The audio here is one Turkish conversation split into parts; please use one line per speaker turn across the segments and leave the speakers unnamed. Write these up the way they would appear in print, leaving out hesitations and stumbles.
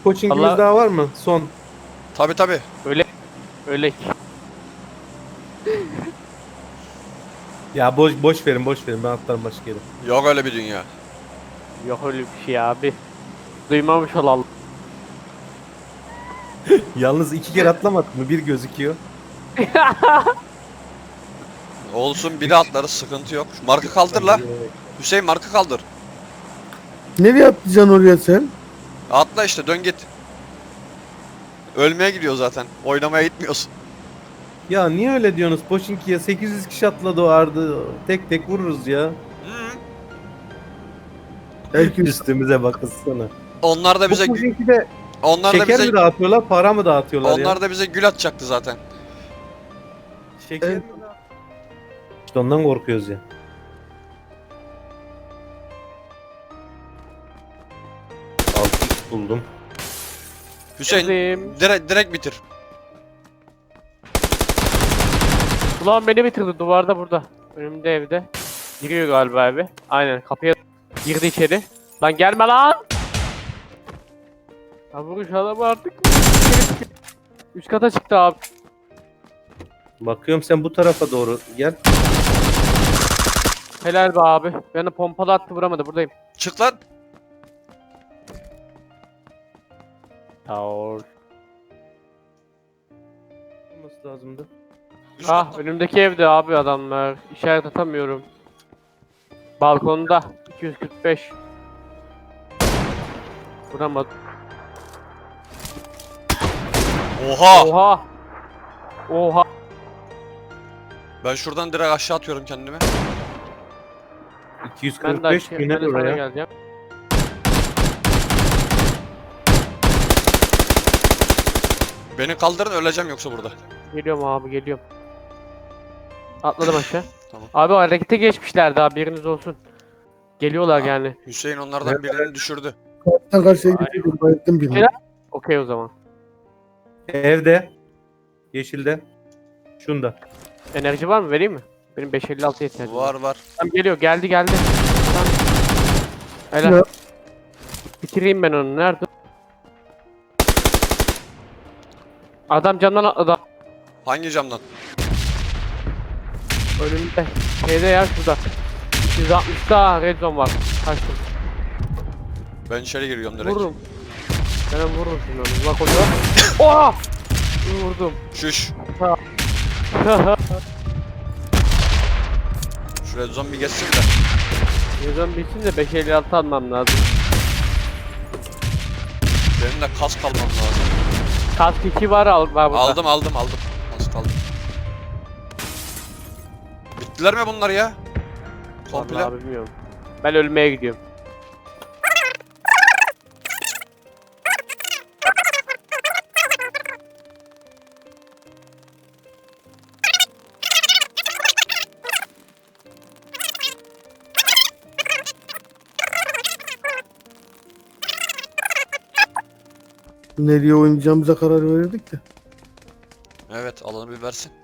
Coaching'imiz
Allah
daha var mı? Son.
Tabi tabi.
öyle.
Ya boş verin boş verin ben atlarım başka yere.
Yok öyle bir dünya.
Yok öyle bir şey abi. Duymamış olalım.
Yalnız 2 kere atlamadık mı? Bir gözüküyor.
Olsun biri atlarız sıkıntı yok. Şu markı kaldır la. Hüseyin markı kaldır.
Nereye atlayacaksın oraya sen?
Atla işte dön git. Ölmeye gidiyor zaten. Oynamaya gitmiyorsun.
Ya niye öyle diyorsunuz? Pochinki'ye 800 kişi atladı o ardı. Tek tek vururuz ya.
Hı.
Herkes
Üstümüze bakılsana.
Onlar da bize
Bu Pochinki'de
onlar da
şeker
bize
mi dağıtıyorlar, para mı dağıtıyorlar ya?
onlar da bize gül atacaktı zaten.
Şeker
Evet.
mi dağıtıyorlar? İşte ondan korkuyoruz ya. Altı buldum.
Hüseyin
Geldim.
direkt bitir.
Ulan beni bitirdi duvarda burada. Önümde evde. Giriyor galiba eve. Aynen kapıya girdi içeri. Lan gelme lan. Ya vuruş adamı artık. Üst kata çıktı abi.
Bakıyorum sen bu tarafa doğru gel.
Helal be abi. Beni pompalı attı vuramadı buradayım.
Çık lan.
Yav.
Olması lazımdı.
Üst
Ah
katta.
önümdeki evde abi adamlar. İşaret atamıyorum. Balkonda 245. Vuramadı.
Oha!
Oha. Oha.
Ben şuradan direkt aşağı atıyorum kendimi.
Ben de
245
aşağı,
güne
ben de sana
oraya.
geleceğim.
Beni kaldırın öleceğim yoksa burada.
Geliyorum abi geliyorum. Atladım aşağı.
Tamam.
Abi harekete geçmişlerdi haberiniz olsun. Geliyorlar
Ha.
yani.
Hüseyin onlardan birini düşürdü.
karşıdan karşıya gidiyorum. Bayıldım birini.
Helal. Okey o zaman.
Evde. Yeşilde. Şunda.
Enerji var mı vereyim mi? Benim 556 ihtiyacım var.
Var.
Tamam geliyor geldi. Tamam. Helal.
Ya.
Bitireyim ben onu. Nerede? Adam camdan atladı.
Hangi camdan?
Önümde. Şeyde ya şurada. 160'da red zone var. Kaçtım.
Ben içeri giriyorum direkt.
Vururum. Ben vururum şimdi onu. Bak orada. Oha! Vurdum.
Şuş. Şuraya zombi geçsin de.
Red zone bitsin de 556 almam lazım.
Benim de kas kalmam lazım.
Kask 2 var var burada.
Aldım. Kas kaldım. Bittiler mi bunlar ya? Komple.
Vallahi bilmiyorum. Ben ölmeye gidiyorum.
Nereye oynayacağımıza karar verirdik de.
Evet alanı bir versin.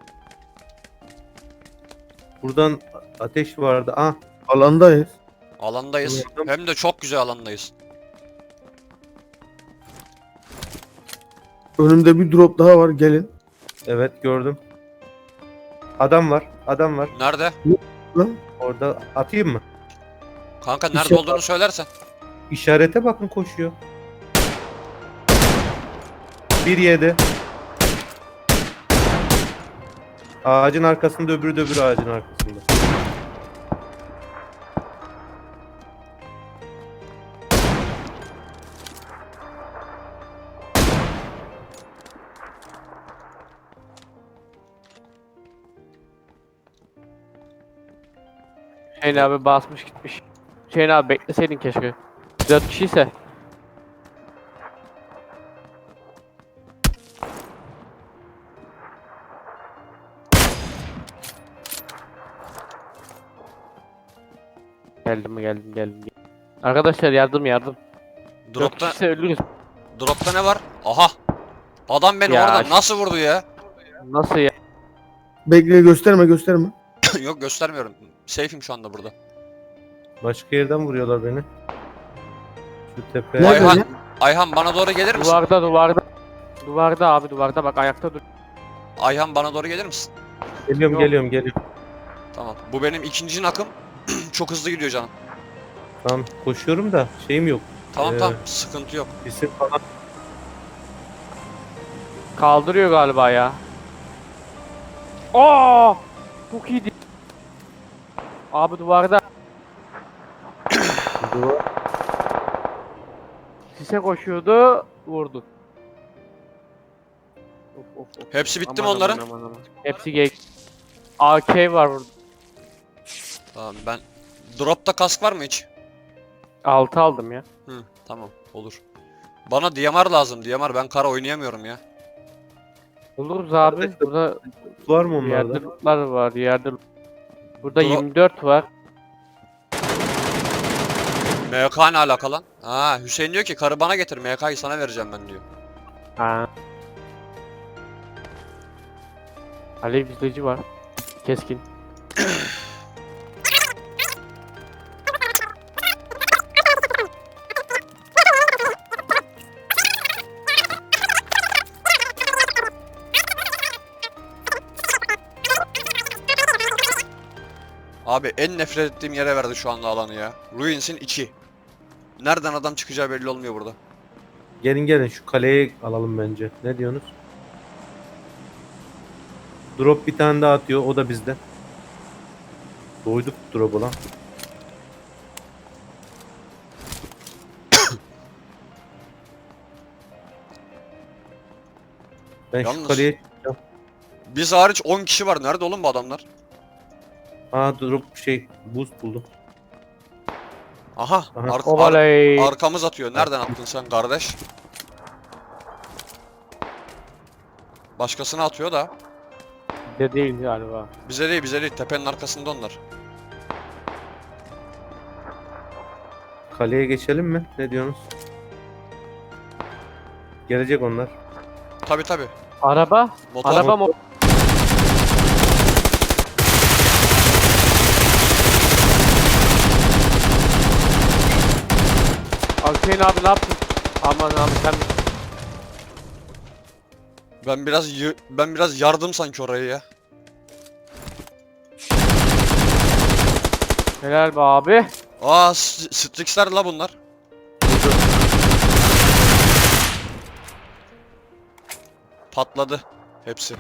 Buradan ateş vardı. Ah.
Alandayız.
Alandayız.
Anladım.
Hem de çok güzel alandayız.
Önümde bir drop daha var. Gelin.
Evet gördüm. Adam var. Adam var.
Nerede?
Lan.
Orada atayım mı?
Kanka nerede
İşte-
olduğunu söylersen.
İşarete bakın koşuyor. 1-7. Ağacın arkasında öbürü de öbürü ağacın arkasında.
Hüseyin abi basmış gitmiş. Hüseyin abi bekleseydin keşke. 4 kişiyse. Geldim. Arkadaşlar yardım. 4
Dropta,
kişiyse ölürüz.
dropta ne var? Aha. Adam beni
Ya
orada
ş-
nasıl vurdu ya?
Nasıl ya?
Bekle gösterme.
Yok göstermiyorum. Safe'im şu anda burada.
Başka yerden vuruyorlar beni. Şu tepe.
Nerede
Ayhan,
ya?
Ayhan bana doğru gelir misin?
Duvarda. Duvarda abi duvarda bak ayakta dur.
Ayhan bana doğru gelir misin?
Geliyorum
Yok.
geliyorum.
Tamam. Bu benim ikinci nakım. Çok hızlı gidiyor canım.
Tamam koşuyorum da şeyim yok.
Tamam
Ee,
tamam. Sıkıntı yok.
İsim falan.
Kaldırıyor galiba ya. Aa! Çok iyiydi. Abi duvarda.
Duvar.
Sise koşuyordu. Vurdu. Of.
Hepsi bitti mi
Aman,
onların?
aman. Hepsi gay. AK var burada.
Tamam ben... Drop'ta kask var mı hiç?
6 aldım ya.
Hı, tamam olur. Bana DMR lazım. DMR ben kara oynayamıyorum ya.
Buluruz abi.
Arkadaşlar,
Burada
Var mı
yerde
onlarda?
lootlar var. Yerde burada
Dro-
24 var.
MK ne alaka lan? Ha Hüseyin diyor ki karı bana getir. MK'yı sana vereceğim ben diyor.
Ha. Alev izleyici var. Keskin.
Abi en nefret ettiğim yere verdi şu anda alanı ya. Ruins'in içi. Nereden adam çıkacağı belli olmuyor burada.
Gelin şu kaleye alalım bence. Ne diyorsunuz? Drop bir tane daha atıyor. O da bizde. Doyduk drop'u lan. Ben
Yalnız-
şu kaleye...
Biz hariç 10 kişi var. Nerede oğlum bu adamlar?
Aa drop boost buldum.
Aha.
Aha.
Ovaley.
Arkamız atıyor. Nereden attın sen kardeş? Başkasına atıyor da.
De değil galiba.
Bize değil. Tepenin arkasında onlar.
Kaleye geçelim mi? Ne diyorsunuz? Gelecek onlar.
Tabi.
Araba.
Motor.
Araba mı? Hüseyin abi ne yaptın? Aman abi sen
Ben biraz yardım sanki orayı ya.
helal be abi.
Aa Strix'ler la bunlar. Patladı hepsi.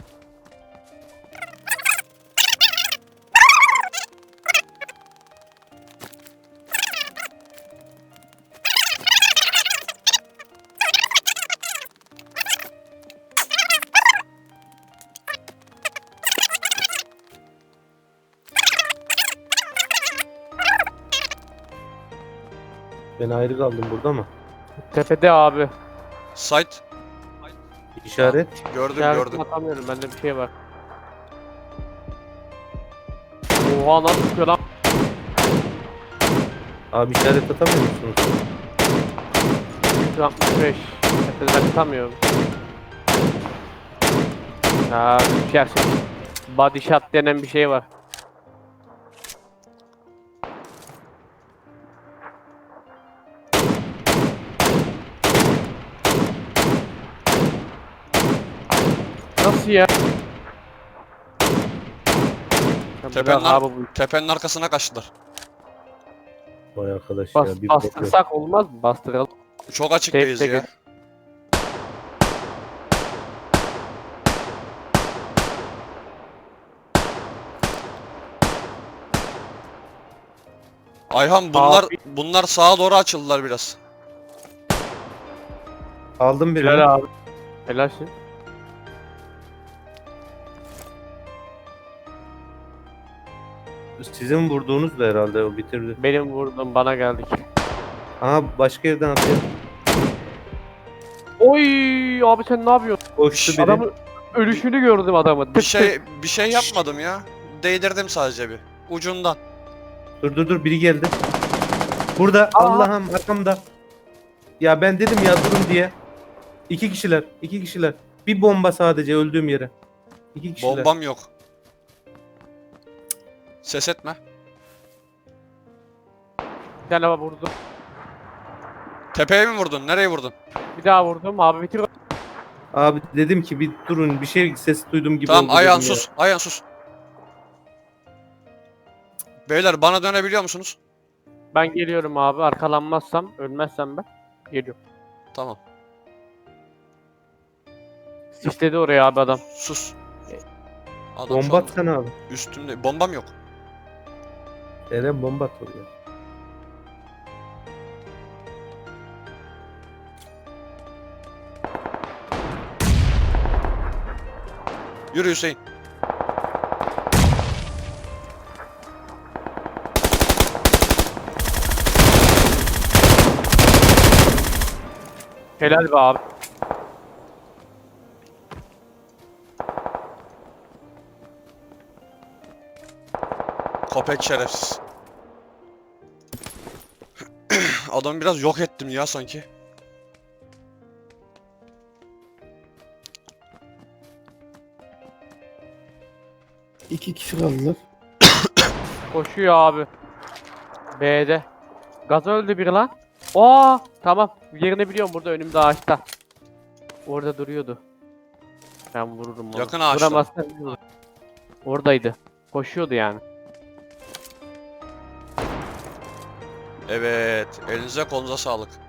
Ben ayrı kaldım burada mı?
Tepede abi.
Site
İşaret.
gördüm.
İşaretini atamıyorum bende bir şey var. Oha nasıl çıkıyor lan?
Abi işaret atamıyor musunuz?
165. Tepeden atamıyorum. Ya düşersin. Body shot denen bir şey var. Nasıl ya? Ya
Tepenin,
bırak abi bu
tepenin arkasına kaçtılar.
Vay arkadaş
bas,
ya. Bir bok yok.
bastırsak olmaz mı? Bastıralım.
Çok açıktayız
Tek tek
ya. Ayhan
Abi.
bunlar sağa doğru açıldılar biraz.
Aldım birini.
Helal abi. Helalsin.
Sizin vurduğunuz da herhalde o bitirdi.
Benim vurdum bana geldik.
Aha başka yerden atıyor.
Oy abi sen ne yapıyorsun?
Koştu biri.
Adamın ölüşünü gördüm adamın.
Bir şey yapmadım ya. Değdirdim sadece bir. Ucundan.
Dur biri geldi. Burada
Aa.
Allah'ım arkamda. Ya ben dedim ya durun diye. İki kişiler. Bir bomba sadece öldüğüm yere. İki kişiler.
Bombam yok. Ses etme.
Bir tane vurdum.
Tepeye mi vurdun? Nereye vurdun?
Bir daha vurdum abi bitir.
Abi dedim ki bir durun, bir şey ses duydum gibi
Tamam
oldu
Ayhan
dedim ya.
sus. Ayhan sus. Beyler bana dönebiliyor musunuz?
Ben geliyorum abi arkalanmazsam ölmezsem ben geliyorum.
Tamam.
Sisledi oraya abi adam.
Sus. Adam şu
Bomba
an
atsana abi.
üstümde. Bombam yok.
Eren bomba at oraya.
Yürü Hüseyin.
Helal be abi.
Köpek şerefsiz. Adamı biraz yok ettim ya sanki.
İki kişi kaldılar.
Koşuyor abi. B'de. Gaz öldü biri lan. Oo tamam. Yerini biliyorum burada önümde ağaçta. Orada duruyordu. Ben vururum onu.
Yakın ağaçta.
Vuramazsam vurur. Oradaydı. Koşuyordu yani.
Evet. Elinize kolunuza sağlık.